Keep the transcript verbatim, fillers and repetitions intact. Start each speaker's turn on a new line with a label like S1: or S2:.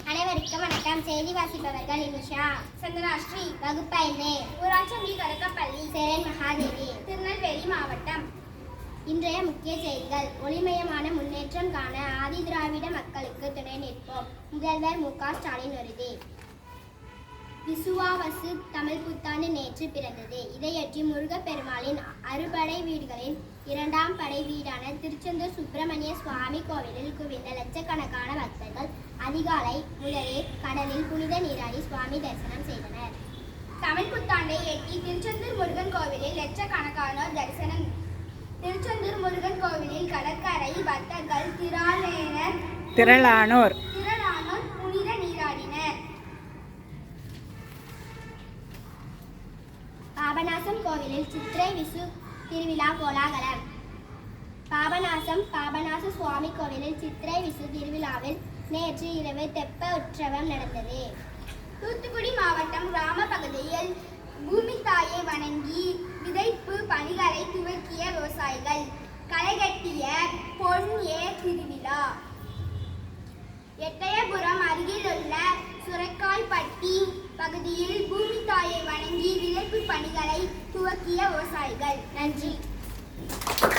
S1: அனைவருக்கும் வணக்கம். செய்தி வாசிப்பவர்கள் இனிஷா,
S2: சந்தனாஸ்ரீ,
S1: வகுப்பைந்து,
S2: ஊராட்சி தொடக்கப்பள்ளி,
S1: சேரன் மகாதேவி,
S2: திருநெல்வேலி மாவட்டம்.
S1: இன்றைய முக்கிய செய்திகள். ஒளிமயமான முன்னேற்றம் காண ஆதி திராவிட மக்களுக்கு துணை நிற்போம். முதல்வர் மு க ஸ்டாலின் உறுதி. விசுவாவசு தமிழ் புத்தாண்டு நேற்று பிறந்தது. இதையொட்டி முருகப்பெருமாளின் அறுபடை வீடுகளின் இரண்டாம் படை வீடான திருச்செந்தூர் சுப்பிரமணிய சுவாமி கோவிலில் குவிந்த லட்சக்கணக்கான பக்தர்கள் அதிகாலை முதலே கடலில் புனித நீராடி சுவாமி தரிசனம் செய்தனர்.
S2: தமிழ் புத்தாண்டை எட்டி திருச்செந்தூர் முருகன் கோவிலில் லட்சக்கணக்கானோர் தரிசனம். திருச்செந்தூர் முருகன் கோவிலில் கடற்கரை பக்தர்கள் திரளானர்
S3: திரளானோர்
S2: திரளானோர் புனித நீராடினர்.
S1: பாபநாசம் கோவிலில் சித்திரை விசு திருவிழா கோலாகலம். பாபநாசம் பாபநாச சுவாமி கோவிலில் சித்திரை விசு திருவிழாவில் நேற்று இரவு தெப்ப உற்சவம் நடந்தது.
S2: தூத்துக்குடி மாவட்டம் கிராம பகுதியில் பூமி தாயை வணங்கி விதைப்பு பணிகளை துவக்கிய விவசாயிகள். களைகட்டிய பொன் ஏ திருவிழா. எட்டயபுரம் அருகிலுள்ள சுரைக்கால்பட்டி பகுதியில் பூமி தாயை வணங்கி விதைப்பு பணிகளை துவக்கிய விவசாயிகள்.
S1: நன்றி.